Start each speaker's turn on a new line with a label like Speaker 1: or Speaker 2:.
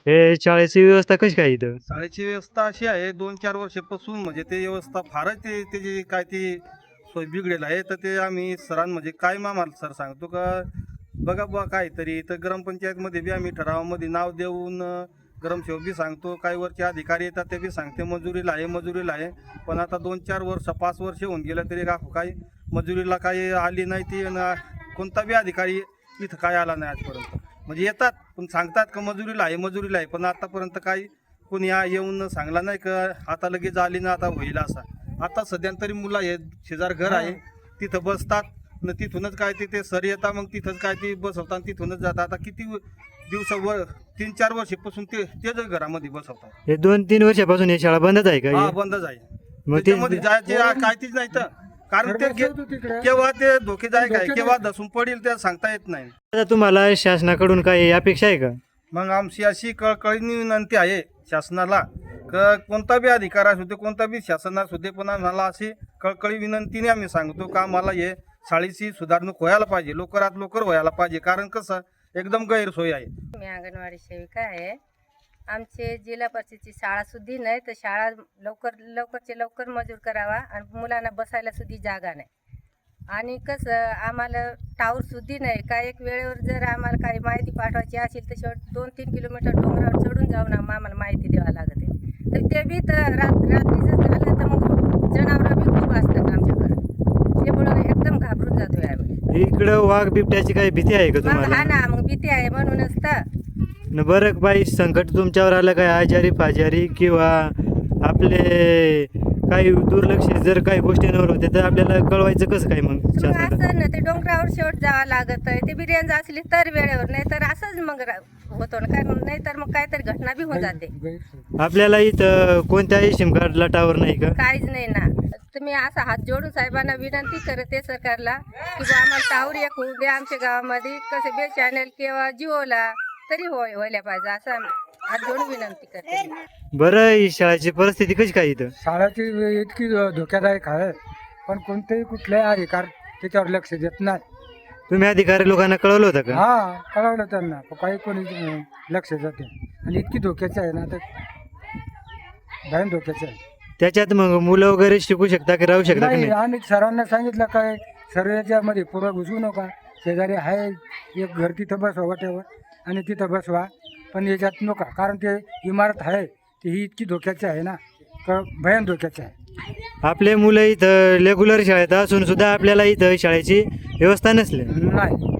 Speaker 1: हे शाळेची व्यवस्था कशी काय इथं?
Speaker 2: शाळेची व्यवस्था अशी आहे 2-4 वर्षापासून म्हणजे ते व्यवस्था फारच त्याची काय ती सोय बिघडेल आहे. तर ते आम्ही म्हणजे काय आम्हाला सर सांगतो का बघा बुवा काहीतरी तर ग्रामपंचायतमध्ये बी आम्ही ठरावामध्ये नाव देऊन ग्रामसेवक बी सांगतो काही वरचे अधिकारी येतात ते बी सांगते मजुरीला आहे. पण आता 2-4 वर्ष 5 वर्ष होऊन गेलं तरी काही मजुरीला काही आली नाही ती कोणता बी अधिकारी इथं काय आला नाही आजपर्यंत. म्हणजे येतात पण सांगतात का मजुरीला आहे पण आतापर्यंत काही कोणी येऊन सांगला नाही का आता लगेच आली ना आता होईल असा. आता सध्या तरी मुलं हे शेजार घर आहे तिथं बसतात न तिथूनच काय ते सर येतात मग तिथंच काय ते बसवतात तिथूनच जातात. आता किती दिवसावर 3-4 वर्षापासून तेच घरामध्ये बसवतात.
Speaker 1: हे 2-3 वर्षापासून ही शाळा बंदच आहे का?
Speaker 2: हा बंदच आहे.
Speaker 1: मग
Speaker 2: त्याच्यामध्ये जायचे काय तीच नाही तर कारण ते केव्हा ते धोकेदायक आहे केव्हा दसून पडेल ते सांगता येत नाही.
Speaker 1: आता तुम्हाला शासनाकडून काही अपेक्षा आहे का?
Speaker 2: मग आमची अशी कळकळीने विनंती आहे शासनाला कोणता बी अधिकार असू दे कोणता बी शासन असू दे पण आम्हाला अशी कळकळी विनंतीने आम्ही सांगतो का आम्हाला हे शाळेची सुधारणूक व्हायला पाहिजे लवकरात लवकर व्हायला पाहिजे कारण कसं एकदम गैरसोय आहे.
Speaker 3: मी अंगणवाडी सेविका आहे. आमचे जिल्हा परिषदची शाळा सुद्धा नाही तर शाळा लवकरचे लवकर मंजूर करावा आणि मुलांना बसायला सुद्धा जागा नाही. आणि कसं आम्हाला टावर सुद्धा नाही का एक वेळेवर जर आम्हाला काही माहिती पाठवायची असेल तर शेवट 2-3 किलोमीटर डोंगरावर चढून जाऊन आम्हाला माहिती द्यावं लागते. तर ते बी तर रात्रीचं झालं तर मग जनावरं बी खूप असतात आमच्याकडे त्यामुळं एकदम घाबरून जातोय आम्ही.
Speaker 1: इकडं वाघ बिबट्याची काही भीती आहे का
Speaker 3: मग हा
Speaker 1: तुम्हाला?
Speaker 3: ना मग भीती आहे म्हणूनच तर.
Speaker 1: न बरं बाई संकट तुमच्यावर आलं काय आजारी फाजारी किंवा आपले काही दुर्लक्ष जर काही गोष्टींवर होते तर आपल्याला कळवायचं कसं काय मग
Speaker 3: मग
Speaker 1: शासनाला?
Speaker 3: असं ना ते डोंगरावर शेवट जावं लागत आहे. ते बी रेंज असली तर वेळेवर नाही तर असंच मग होतो ना काय नाही तर मग काहीतरी घटना बी होऊन जाते.
Speaker 1: आपल्याला इथं कोणत्याही सिम कार्डला टावर नाही का?
Speaker 3: काहीच नाही ना. तुम्ही असा हात जोडून साहेबांना विनंती करते सरकारला की बा आम्हाला टावर एक होऊ द्या आमच्या गावामध्ये कसं बे चॅनल किंवा जिओला तरी व्हायला पाहिजे असं हात जोडून विनंती करते.
Speaker 1: बरं ही शाळेची परिस्थिती कशी काय इथं?
Speaker 4: शाळाची इतकी धोक्यादायक आहे पण कोणतेही कुठल्याही अधिकार त्याच्यावर लक्ष देत नाही.
Speaker 1: तुम्ही अधिकारी लोकांना कळवलं होतं का?
Speaker 4: हा कळवलं त्यांना पण काही कोणी लक्ष देते आणि इतकी धोक्याची आहे ना तर भयान धोक्याची आहे.
Speaker 1: त्याच्यात मग मुलं वगैरे शिकू शकता की राहू शकता की
Speaker 4: नाही
Speaker 1: नाही?
Speaker 4: आम्ही सरांना सांगितलं काय सर याच्यामध्ये पुढं घुसू नका शेजारी आहे एक घर तिथं बसवा वाटेवर आणि तिथं बसवा पण याच्यात नका कारण ते इमारत आहे ती ही इतकी धोक्याची आहे ना भयान धोक्याची आहे.
Speaker 1: आपले मुलं इथं रेग्युलर शाळेत असून सुद्धा आपल्याला इथं शाळेची व्यवस्था नसली.
Speaker 4: नाही